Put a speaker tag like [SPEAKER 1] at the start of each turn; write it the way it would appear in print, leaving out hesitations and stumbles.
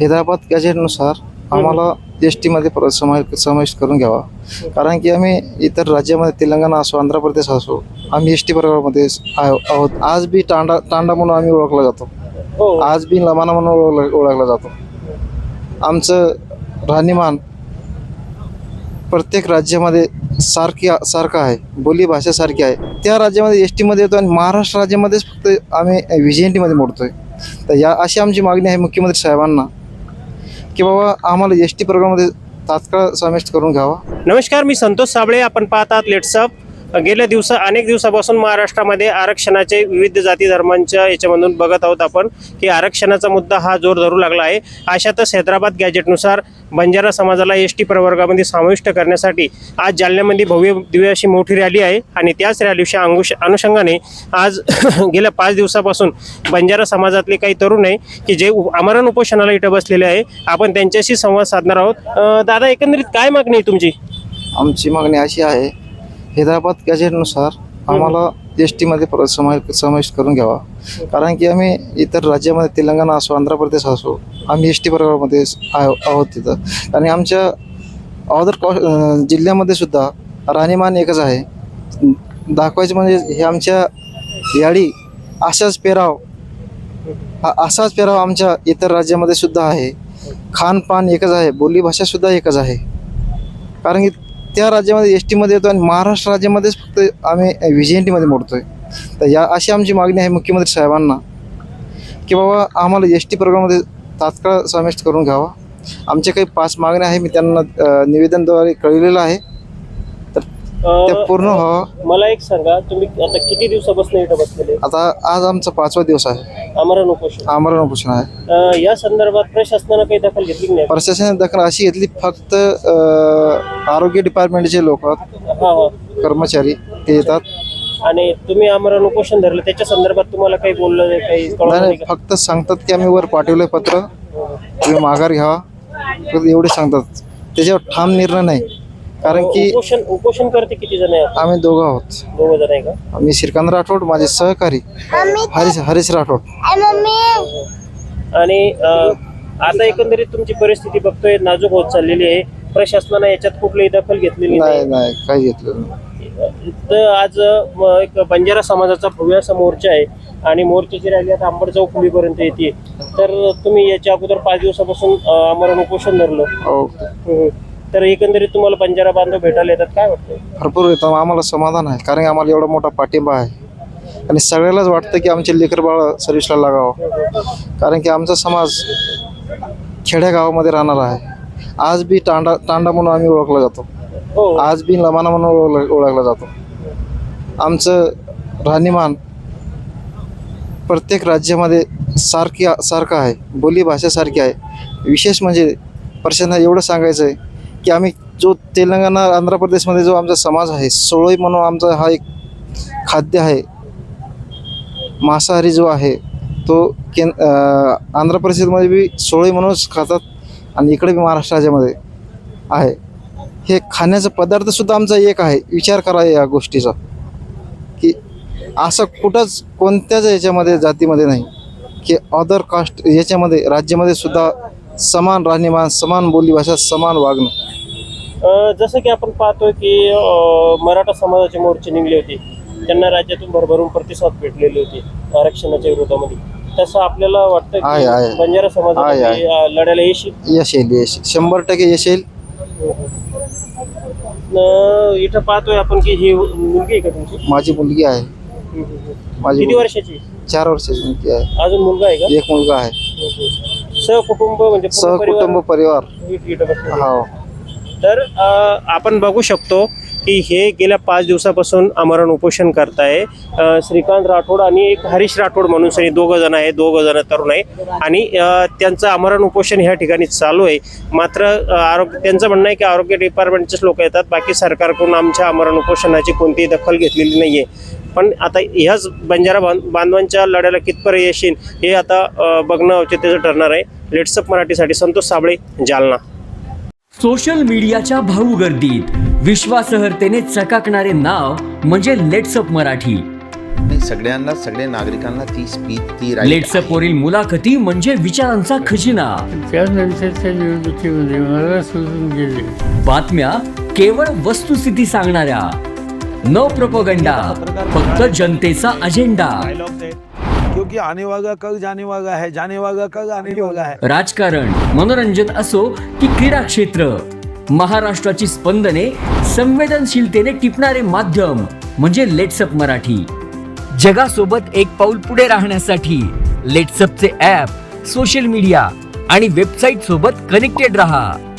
[SPEAKER 1] हैदराबाद गॅजेटनुसार आम्हाला एस टीमध्ये समाविष्ट करून घ्यावा. कारण की आम्ही इतर राज्यामध्ये तेलंगणा असो आंध्र प्रदेश असो आम्ही एस टी प्रकारामध्ये आहोत. आज बी तांडा म्हणून आम्ही ओळखला जातो. आज बी लमाना म्हणून ओळखला जातो. आमचं राहणीमान प्रत्येक राज्यामध्ये सारखं आहे. बोली भाषा सारखी आहे. त्या राज्यामध्ये एस टीमध्ये येतो आणि महाराष्ट्र राज्यामध्येच फक्त आम्ही व्हीजीएनटीमध्ये मोडतोय. तर अशी आमची मागणी आहे मुख्यमंत्री साहेबांना की बाबा आम्हाला एस टी प्रोग्राममध्ये तात्काळ समाविष्ट करून घ्यावा.
[SPEAKER 2] नमस्कार, मी संतोष साबळे. आपण पाहतात लेट्सअप. गेल्या अनेक दिवसापासून महाराष्ट्रामध्ये आरक्षणाचे विविध जाती धर्मांच्या याच्यामधून बघत आहोत आपण की आरक्षणाचा मुद्दा हा जोर धरू लागला आहे. अशातच हैदराबाद गॅजेटनुसार बंजारा समाजाला एस टी प्रवर्गामध्ये समाविष्ट करण्यासाठी आज जालन्यामध्ये भव्य दिव्य अशी मोठी रॅली आहे आणि त्याच रॅलीच्या अनुषंगाने आज गेल्या 5 दिवसापासून बंजारा समाजातले काही तरुण आहे की जे आमरण उपोषणाला इथं बसलेले आहे. आपण त्यांच्याशी संवाद साधणार आहोत. दादा, एकंदरीत काय मागणी आहे तुमची?
[SPEAKER 1] आमची मागणी अशी आहे, हैदराबाद गॅजेटनुसार आम्हाला एस टीमध्ये समाविष्ट करून घ्यावा. कारण की आम्ही इतर राज्यामध्ये तेलंगणा असो आंध्र प्रदेश असो आम्ही एस टी प्रकारामध्ये आहोत तिथं. आणि आमच्या अदर जिल्ह्यामध्ये सुद्धा राहणीमान एकच आहे. दाखवायचं म्हणजे हे आमच्या याडी असाच पेराव आमच्या इतर राज्यामध्ये सुद्धा आहे. खानपान एकच आहे. बोली भाषा सुद्धा एकच आहे. कारण की त्या राज्यामध्ये एस टीमध्ये येतो आणि महाराष्ट्र राज्यामध्येच फक्त आम्ही व्हीजीएनटीमध्ये मोडतोय. तर अशी आमची मागणी आहे मुख्यमंत्री साहेबांना की बाबा आम्हाला एस टी प्रोग्राममध्ये तात्काळ समाविष्ट करून घ्यावा. आमचे काही 5 मागण्या आहे, मी त्यांना निवेदनद्वारे कळविलेलं आहे. तर ते पूर्ण व्हावं.
[SPEAKER 2] मला एक सांगा, तुम्ही आता किती दिवसापासून इथं बसलेले?
[SPEAKER 1] आता आज आमचा 5वा दिवस आहे.
[SPEAKER 2] आमरण उपोषण
[SPEAKER 1] आहे.
[SPEAKER 2] या संदर्भात प्रशासनानं काही दखल घेतली नाही?
[SPEAKER 1] प्रशासनाने दखल अशी घेतली, फक्त आरोग्य डिपार्टमेंटचे लोक कर्मचारी ते येतात
[SPEAKER 2] आणि तुम्ही आमरण उपोषण धरलं, त्याच्या संदर्भात तुम्हाला काही बोललं
[SPEAKER 1] नाही? फक्त सांगतात की आम्ही वर पाठवलंय पत्र, तुम्ही माघार घ्यावा, एवढे सांगतात. त्याच्यावर ठाम निर्णय नाही. कारण की
[SPEAKER 2] उपोषण करते किती जण आहे?
[SPEAKER 1] आम्ही दोघं आहोत.
[SPEAKER 2] 2 जण आहे का?
[SPEAKER 1] मी श्रीकांत राठोड, माझे सहकारी हरीश राठोड.
[SPEAKER 2] आणि आता एकंदरीत तुमची परिस्थिती बघतोय नाजूक होत चाललेली आहे. प्रशासनाने याच्यात कुठलीही दखल घेतलेली
[SPEAKER 1] नाही, काही घेतलं नाही.
[SPEAKER 2] तर आज एक बंजारा समाजाचा भव्य असा मोर्चा आहे आणि मोर्चाची रॅली आता अंबड चौफुलीपर्यंत येते. तर तुम्ही याच्या अगोदर 5 दिवसापासून आमरण उपोषण धरलं. तर एकंदरीत तुम्हाला बंजारा बांधव भेटायला येतात, काय वाटतं?
[SPEAKER 1] भरपूर येतं. आम्हाला समाधान आहे, कारण की आम्हाला एवढा मोठा पाठिंबा आहे आणि सगळ्यालाच वाटतं की आमचे लेकर बाळ सर्व्हिसला लागावं. कारण की आमचा समाज खेड्या गावामध्ये राहणार आहे. आज बी तांडा म्हणून आम्ही ओळखला जातो. आज बी लमाना म्हणून ओळखला जातो. आमचं राहणीमान प्रत्येक राज्यामध्ये सारखं आहे. बोली भाषा सारखी आहे. विशेष म्हणजे प्रशासनाला एवढं सांगायचं आहे की आम्ही जो तेलंगणा आंध्र प्रदेशमध्ये जो आमचा समाज आहे, सोळई म्हणून आमचा हा एक खाद्य आहे. मांसाहारी जो आहे तो आंध्र प्रदेशमध्ये बी सोळई म्हणूनच खातात आणि इकडे बी महाराष्ट्र राज्यामध्ये आहे. हे खाण्याचा पदार्थसुद्धा आमचा एक आहे. विचार करा या गोष्टीचा की असं कुठंच कोणत्याच याच्यामध्ये जातीमध्ये नाही की अदर कास्ट याच्यामध्ये राज्यामध्ये सुद्धा समान राहणीमान, समान बोलीभाषा, समान वागणं.
[SPEAKER 2] जसं की आपण पाहतोय की मराठा समाजाचे मोर्चे निघले होते, त्यांना राज्यातून भरभरून प्रतिसाद भेटलेले होते आरक्षणाच्या विरोधामध्ये. तसं आपल्याला वाटतं की बंजारा समाजाला लढायला यश
[SPEAKER 1] येईल? 100% यश येईल.
[SPEAKER 2] इथं पाहतोय आपण की ही मुलगी आहे का तुमची?
[SPEAKER 1] माझी मुलगी आहे.
[SPEAKER 2] किती वर्षाची?
[SPEAKER 1] 4 वर्षाची मुलगी आहे.
[SPEAKER 2] अजून मुलगा आहे का?
[SPEAKER 1] एक मुलगा आहे.
[SPEAKER 2] सहकुटुंब म्हणजे
[SPEAKER 1] सहकुटुंब परिवार.
[SPEAKER 2] हो. तर आपण बघू शकतो की हे गेल्या 5 दिवसापासून आमरण उपोषण करताय श्रीकांत राठोड आणि एक हरीश राठोड म्हणून सनी 2 जण आहे. 2 जण तरुण आहे आणि त्यांचं आमरण उपोषण ह्या ठिकाणी चालू आहे. मात्र त्यांचं म्हणणं आहे की आरोग्य डिपार्टमेंटचेच लोक येतात, बाकी सरकारकडून आमच्या आमरण उपोषणाची कोणतीही दखल घेतलेली नाही आहे. पण आता ह्याच बंजारा बांधवांच्या लढ्याला कितपर्यंत यश येईल हे आता बघणं औचित्याचं ठरणार आहे. लेट्सअप मराठीसाठी संतोष साबळे, जालना.
[SPEAKER 3] सोशल मीडियाच्या भाऊ गर्दीत विश्वासार्हतेने चकाकणारे नाव म्हणजे लेट्सअप मराठी.
[SPEAKER 4] नाही, सगळ्यांना, सगळ्या नागरिकांना ती स्पीच, ती right
[SPEAKER 3] लेट्सअप
[SPEAKER 4] आहे.
[SPEAKER 3] वरील मुलाखती म्हणजे विचारांचा खजिना.
[SPEAKER 5] त्यानंतरच्या निवडणुकीमध्ये मला सोडून गेले.
[SPEAKER 3] बातम्या केवळ वस्तुस्थिती सांगणाऱ्या, न प्रोपगंडा, फक्त जनतेचा अजेंडा.
[SPEAKER 6] क्योंकि आने वाला कल जाने वाला है, जाने वाला कल आने वाला है.
[SPEAKER 3] राजकारण, मनोरंजन असो की क्रीडा क्षेत्र, महाराष्ट्राची स्पंदने संवेदनशीलतेने टिपणारे माध्यम म्हणजे लेट्सअप मराठी. जगासोबत एक पाऊल पुढे राहण्यासाठी लेट्सअपचे ॲप, सोशल मीडिया आणि वेबसाईट सोबत कनेक्टेड रहा.